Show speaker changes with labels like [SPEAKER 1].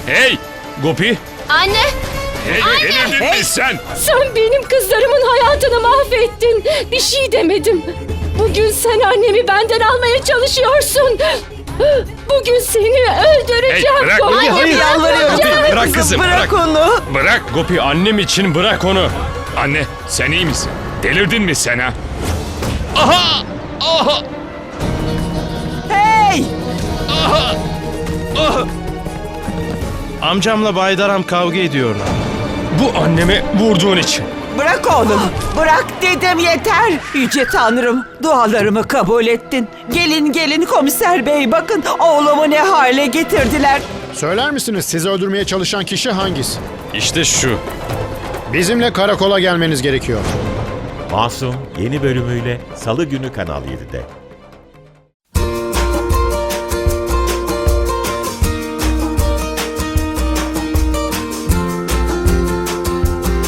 [SPEAKER 1] Hey Gopi.
[SPEAKER 2] Anne!
[SPEAKER 1] Hey, delirdin mi sen?
[SPEAKER 3] Sen benim kızlarımın hayatını mahvettin. Bir şey demedim. Bugün sen annemi benden almaya çalışıyorsun. Bugün seni öldüreceğim.
[SPEAKER 1] Hey, bırak,
[SPEAKER 3] Gopi.
[SPEAKER 1] hayır,
[SPEAKER 4] Hayır, yalvarıyorum.
[SPEAKER 1] Gopi, bırak kızım,
[SPEAKER 4] Bırak
[SPEAKER 1] bırak.
[SPEAKER 4] onu.
[SPEAKER 1] Bırak Gopi, annem için bırak onu. Anne sen iyi misin? Delirdin mi sen ha? Aha! Aha!
[SPEAKER 4] Hey!
[SPEAKER 5] Amcamla Baydaram kavga ediyorlar.
[SPEAKER 1] Bu anneme vurduğun için.
[SPEAKER 4] Bırak oğlum. Bırak dedim, yeter. Yüce Tanrım, dualarımı kabul ettin. Gelin komiser bey, bakın oğlumu ne hale getirdiler.
[SPEAKER 6] Söyler misiniz sizi öldürmeye çalışan kişi hangisi?
[SPEAKER 1] İşte şu.
[SPEAKER 6] Bizimle karakola gelmeniz gerekiyor.
[SPEAKER 7] Masum yeni bölümüyle Salı günü Kanal 7'de.